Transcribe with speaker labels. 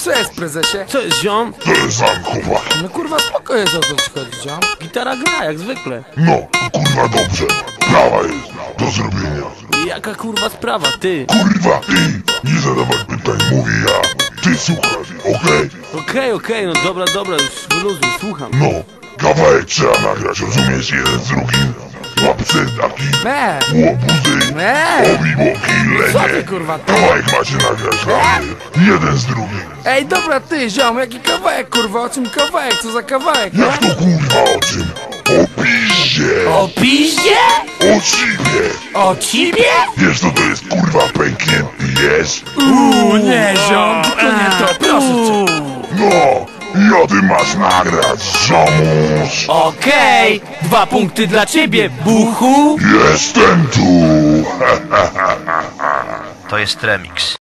Speaker 1: Co jest, prezesie?
Speaker 2: Co jest, ziom?
Speaker 3: To jest sam chłopak.
Speaker 1: No kurwa, spoko jest, o co ci chodzi, ziom?
Speaker 2: Gitara gra, jak zwykle.
Speaker 3: No, kurwa dobrze. Prawa jest do zrobienia.
Speaker 2: I jaka kurwa sprawa, ty?
Speaker 3: Kurwa, ty! Nie zadawaj pytań, mówię ja. Ty słuchasz, okej?
Speaker 2: Okej, no dobra, już wyluzuj, słucham.
Speaker 3: No, kawałek trzeba nagrać, rozumiesz? Jeden z drugim. Łapce taki,
Speaker 1: Me!
Speaker 3: łobuzy,
Speaker 1: Me!
Speaker 3: obiboki,
Speaker 1: Co ty,
Speaker 3: lenie.
Speaker 1: kurwa, ty?
Speaker 3: Kawałek macie nagrać dla mnie. Jeden z drugim.
Speaker 1: Ej, dobra, ty, ziom, jaki kawałek, kurwa, o czym kawałek, co za kawałek, nie?
Speaker 3: Jak to kurwa o czym? O piździe!
Speaker 2: O piździe?
Speaker 3: O cipie!
Speaker 2: O cibie?
Speaker 3: Wiesz co to jest kurwa pęknięty jest?
Speaker 1: Nie, ziom, tylko nie to, proszę cię.
Speaker 3: No! Ja ty masz nagrać, ziomuś!
Speaker 2: Okej, 2 punkty dla ciebie, buchu.
Speaker 3: Jestem tu!
Speaker 4: To jest remix.